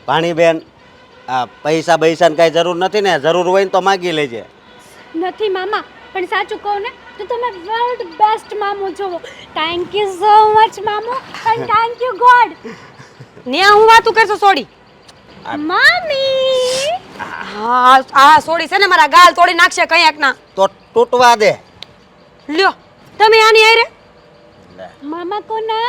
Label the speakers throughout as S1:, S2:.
S1: ભાણીબેન, આ પૈસા બૈસાની કાંઈ જરૂર નથી ને? જરૂર હોય ને તો માગી લેજે.
S2: નથી મામા, પણ સાચું કહું ને તો તમે વર્લ્ડ બેસ્ટ મામો છો. થેન્ક યુ સો મચ મામો, એન્ડ થેન્ક યુ ગોડ.
S3: ન્યા હું વાતું કરছো સોડી?
S2: મામી
S3: હા આ સોડી છે ને મારા ગાલ તોડી નાખશે કંઈક ના.
S1: તો તૂટવા દે.
S3: લ્યો તમે આની આરે
S2: મામા કોના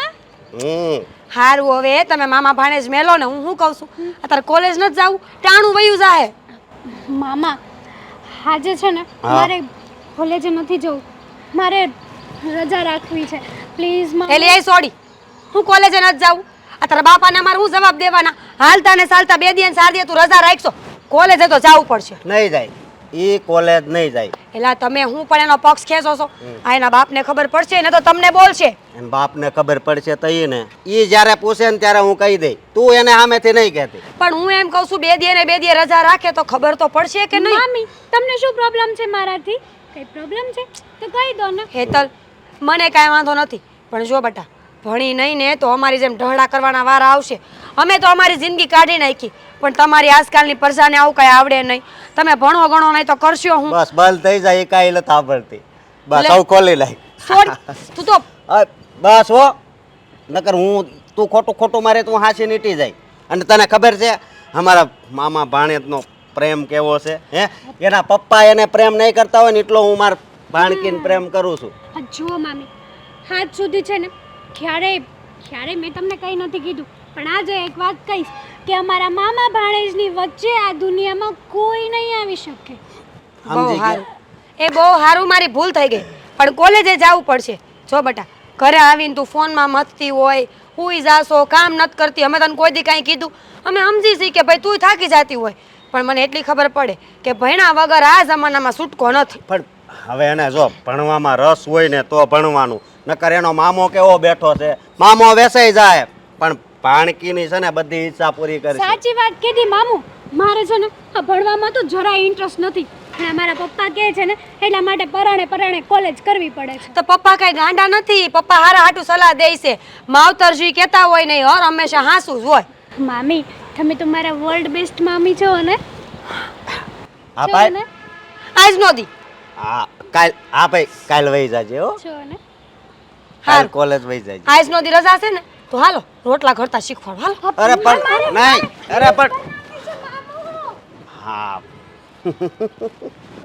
S3: હારું. હવે તમે મામા ભાણેજ મેલો ને. હું શું કહું છું, અત્યારે કોલેજ નથી જાવું, ટાણું વયું જાહે.
S2: મામા આજે છે ને
S1: હા.
S2: મારે કોલેજે નથી જવું, મારે રજા રાખવી છે પ્લીઝ મામા.
S3: એલી એ સોડી, હું કોલેજે નથી જાવું. અત્યારે બાપાને મારે હું જવાબ દેવાના? હાલતા ને ચાલતા 2 દી ને 4 દી તું રજા રાખશો, કોલેજે તો જાવું પડશે.
S1: નહીં જાય, ઈ કોલેજ નહીં જાય.
S3: એલા તમે હું પણ એનો પક્ષ ખેંચો છો? આ એના બાપને ખબર પડશે ને તો તમને બોલશે.
S1: એને બાપને ખબર પડશે તો ઈ ને ઈ જ્યારે પૂછે ને ત્યારે હું કહી દઈ. તું એને સામેથી નહીં કહેતી.
S3: પણ હું એમ કહું છું 2 દી ને 2 દી રજા રાખે તો ખબર તો પડશે કે નહીં?
S2: મામી તમને શું પ્રોબ્લેમ છે મારાથી? કઈ પ્રોબ્લેમ છે તો કહી દો ને.
S3: હેતલ, મને કાંઈ વાંધો નથી, પણ જો બેટા ભણી નહીં ને તો અમારી જેમ ઢહડા કરવાના વારા આવશે. અમે તો અમારી જિંદગી કાઢી નાખી, પણ તમારી આજકાલની પ્રજાને આવું કાંઈ આવડે નહીં. તમે ભણો ગણો નહીં તો કરશો હું?
S1: બસ બંધ થઈ જાય એ કાંઈ નથી આવડતી. બસ
S3: લે.
S1: સૌ ખોલી લાય.
S3: છોડ તું તો
S1: બસ હો, નકર હું તું ખોટું ખોટું મારે તું હાંસી નીટી જાય. અને તને ખબર છે અમારા મામા ભાણેજનો પ્રેમ કેવો છે? હે, એના પપ્પા એને પ્રેમ નહીં કરતા હોય ને એટલો હું મારા ભાણકીને પ્રેમ કરું છું.
S2: આ જુઓ મામી, હાથ સુધી છે ને ક્યારેય મેં તમને કંઈ નથી કીધું, પણ આજે એક વાત કહીશ કે અમારા મામા ભાણેજની વચ્ચે આ દુનિયામાં કોઈ નહીં આવી શકે.
S3: બહુ
S1: સમજી ગયા?
S3: સારું, એ બહુ સારું, મારી ભૂલ થઈ ગઈ. પણ કોલેજે જવું પડશે. જો બેટા ઘરે આવીને તું ફોનમાં મથતી હોય, હુઈ જાશો, કામ નથી કરતી. અમે તને કોઈ દી કાંઈ કીધું? અમે સમજી છીએ કે ભાઈ તું થાકી જતી હોય, પણ મને એટલી ખબર પડે કે ભણ્યા વગર આ જમાનામાં છૂટકો નથી.
S1: પણ હવે એને જો ભણવામાં રસ હોય ને તો ભણવાનું, નકર એનો મામો કેવો બેઠો છે, મામો વેસાઈ જાય પણ ભાણકીની છે ને બધી ઈચ્છા પૂરી કરશે.
S2: સાચી વાત કીધી મામુ. મારે છે ને આ ભણવામાં તો જરાય ઇન્ટરેસ્ટ નથી, પણ મારા પપ્પા કહે છે ને એટલા માટે પરાણે કોલેજ કરવી પડે છે.
S3: તો પપ્પા કઈ ગાંડા નથી, પપ્પા હારા હાટું સલાહ દે છે. માવતરજી કહેતા હોય નહીં, હર હંમેશા હાસું જ હોય.
S2: મામી તમે તો મારા વર્લ્ડ બેસ્ટ મામી છો ને.
S1: હા
S2: છો
S1: ભાઈ,
S2: ને
S3: આજ નો દી
S1: હા કાલ, હા ભાઈ કાલ વહી જાજે હો.
S2: છો ને.
S1: કાલ કોલેજ વહી જાજે.
S3: આજ નો દી રજા છે ને તો હાલો રોટલા ઘરતા શીખવાડ. હાલો.
S1: અરે પણ નહીં, અરે પણ હા